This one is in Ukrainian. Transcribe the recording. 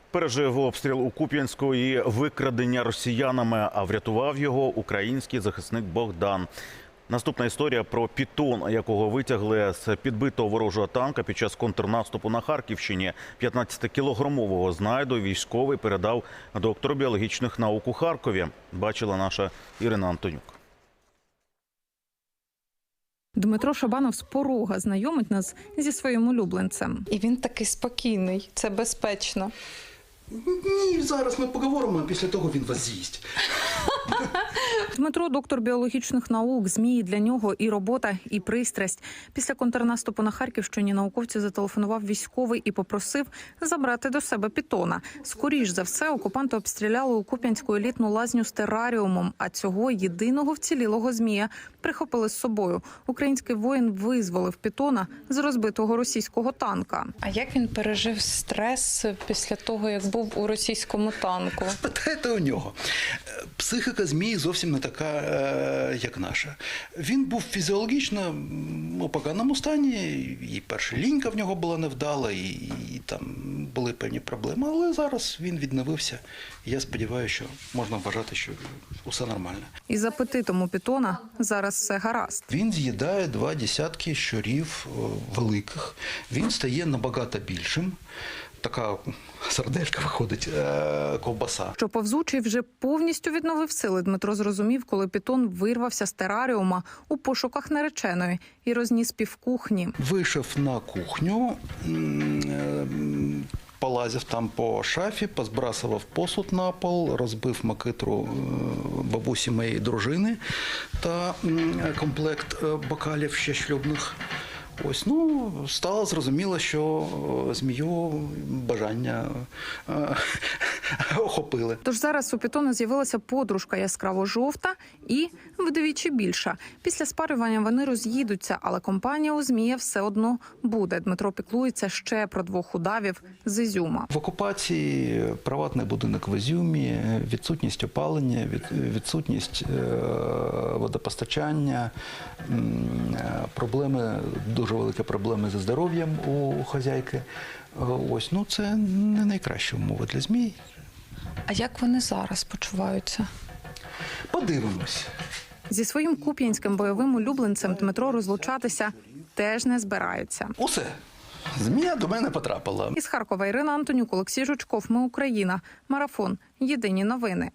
Пережив обстріл у Куп'янську і викрадення росіянами, а врятував його український захисник Богдан. Наступна історія про пітон, якого витягли з підбитого ворожого танка під час контрнаступу на Харківщині. 15-кілограмового знайду військовий передав доктору біологічних наук у Харкові. Бачила наша Ірина Антонюк. Дмитро Шабанов з порога знайомить нас зі своїм улюбленцем. І він такий спокійний, це безпечно. Ні, зараз ми поговоримо, а після того він вас з'їсть. Дмитро – доктор біологічних наук. Змії для нього і робота, і пристрасть. Після контрнаступу на Харківщині науковцю зателефонував військовий і попросив забрати до себе пітона. Скоріш за все, окупанти обстріляли у Куп'янську елітну лазню з тераріумом, а цього єдиного вцілілого змія прихопили з собою. Український воїн визволив пітона з розбитого російського танка. А як він пережив стрес після того, як був у російському танку? Спитайте у нього. Психіка змії зовсім не така, як наша. Він був фізіологічно у поганому стані, і перша лінька в нього була невдала, і там були певні проблеми, але зараз він відновився. Я сподіваюся, що можна вважати, що усе нормально. Із апетитом у пітона зараз все гаразд. Він з'їдає 2 десятки щурів великих, він стає набагато більшим. Така сарделька виходить, ковбаса. Що повзучий вже повністю відновив сили, Дмитро зрозумів, коли пітон вирвався з тераріума у пошуках нареченої і розніс півкухні. Вийшов на кухню, полазив там по шафі, позбрасував посуд на пол, розбив макитру бабусі моєї дружини та комплект бокалів ще шлюбних. Ось, стало зрозуміло, що змію бажання охопили. Тож зараз у пітона з'явилася подружка яскраво-жовта і вдвічі більша. Після спарювання вони роз'їдуться, але компанія у змія все одно буде. Дмитро піклується ще про 2 удавів з Ізюма. В окупації приватний будинок в Ізюмі, відсутність опалення, відсутність водопостачання, проблеми, дуже великі проблеми зі здоров'ям у хазяйки. Ось, це не найкращі умови для змій. А як вони зараз почуваються? Подивимось. Зі своїм куп'янським бойовим улюбленцем Дмитро розлучатися теж не збирається. Усе. Змія до мене потрапила. Із Харкова Ірина Антонюк, Олексій Жучков. Ми Україна. Марафон. Єдині новини.